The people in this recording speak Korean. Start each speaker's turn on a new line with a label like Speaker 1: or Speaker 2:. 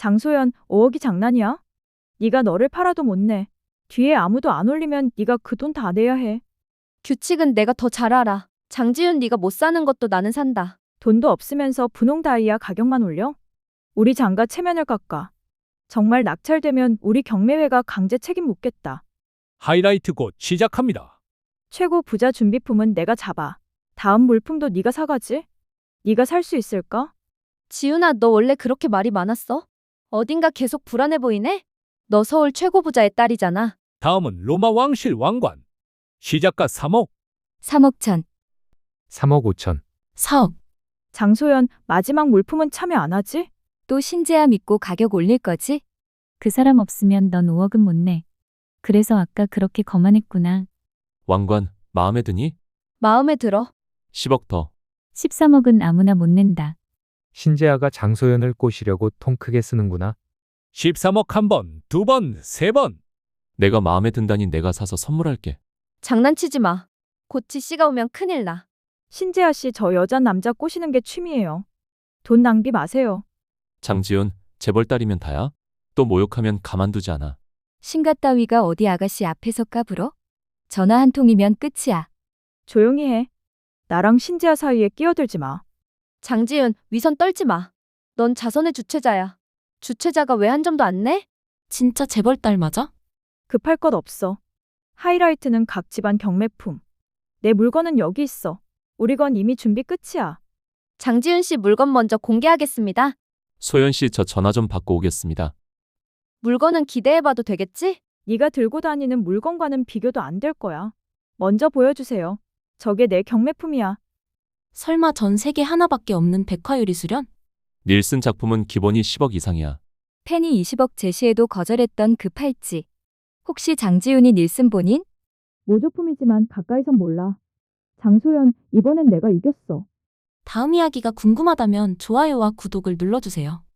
Speaker 1: 장소연, 5억이 장난이야? 네가 너를 팔아도 못 내. 뒤에 아무도 안 올리면 네가 그 돈 다 내야 해.
Speaker 2: 규칙은 내가 더 잘 알아. 장지윤 네가 못 사는 것도 나는 산다.
Speaker 1: 돈도 없으면서 분홍 다이아 가격만 올려? 우리 장가 체면을 깎아. 정말 낙찰되면 우리 경매회가 강제 책임 묻겠다.
Speaker 3: 하이라이트 곧 시작합니다.
Speaker 1: 최고 부자 준비품은 내가 잡아. 다음 물품도 네가 사가지? 네가 살 수 있을까?
Speaker 2: 지윤아, 너 원래 그렇게 말이 많았어? 어딘가 계속 불안해 보이네? 너 서울 최고 부자의 딸이잖아.
Speaker 3: 다음은 로마 왕실 왕관. 시작가 3억.
Speaker 2: 3억 천.
Speaker 4: 3억 5천.
Speaker 2: 4억.
Speaker 1: 장소연, 마지막 물품은 참여 안 하지?
Speaker 2: 또 신재야 믿고 가격 올릴 거지?
Speaker 5: 그 사람 없으면 넌 5억은 못 내. 그래서 아까 그렇게 거만했구나.
Speaker 6: 왕관, 마음에 드니?
Speaker 2: 마음에 들어.
Speaker 6: 10억 더.
Speaker 5: 13억은 아무나 못 낸다.
Speaker 4: 신재아가 장소연을 꼬시려고 통 크게 쓰는구나.
Speaker 3: 13억 한 번, 두 번, 세 번.
Speaker 6: 내가 마음에 든다니 내가 사서 선물할게.
Speaker 2: 장난치지 마. 곧 지씨가 오면 큰일 나.
Speaker 1: 신재아 씨, 저 여자 남자 꼬시는 게 취미예요. 돈 낭비 마세요.
Speaker 6: 장지훈, 재벌 딸이면 다야? 또 모욕하면 가만두지 않아.
Speaker 2: 신가 따위가 어디 아가씨 앞에서 까불어? 전화 한 통이면 끝이야.
Speaker 1: 조용히 해. 나랑 신재아 사이에 끼어들지 마.
Speaker 2: 장지윤, 위선 떨지 마. 넌 자선의 주최자야. 주최자가 왜 한 점도 안 내?
Speaker 7: 진짜 재벌 딸 맞아?
Speaker 1: 급할 것 없어. 하이라이트는 각 집안 경매품. 내 물건은 여기 있어. 우리 건 이미 준비 끝이야.
Speaker 2: 장지윤 씨 물건 먼저 공개하겠습니다.
Speaker 6: 소연 씨, 저 전화 좀 받고 오겠습니다.
Speaker 2: 물건은 기대해봐도 되겠지?
Speaker 1: 네가 들고 다니는 물건과는 비교도 안 될 거야. 먼저 보여주세요. 저게 내 경매품이야.
Speaker 7: 설마 전 세계 하나밖에 없는 백화유리 수련?
Speaker 6: 닐슨 작품은 기본이 10억 이상이야.
Speaker 2: 팬이 20억 제시해도 거절했던 그 팔찌. 혹시 장지윤이 닐슨 본인?
Speaker 1: 모조품이지만 가까이선 몰라. 장소연, 이번엔 내가 이겼어.
Speaker 7: 다음 이야기가 궁금하다면 좋아요와 구독을 눌러주세요.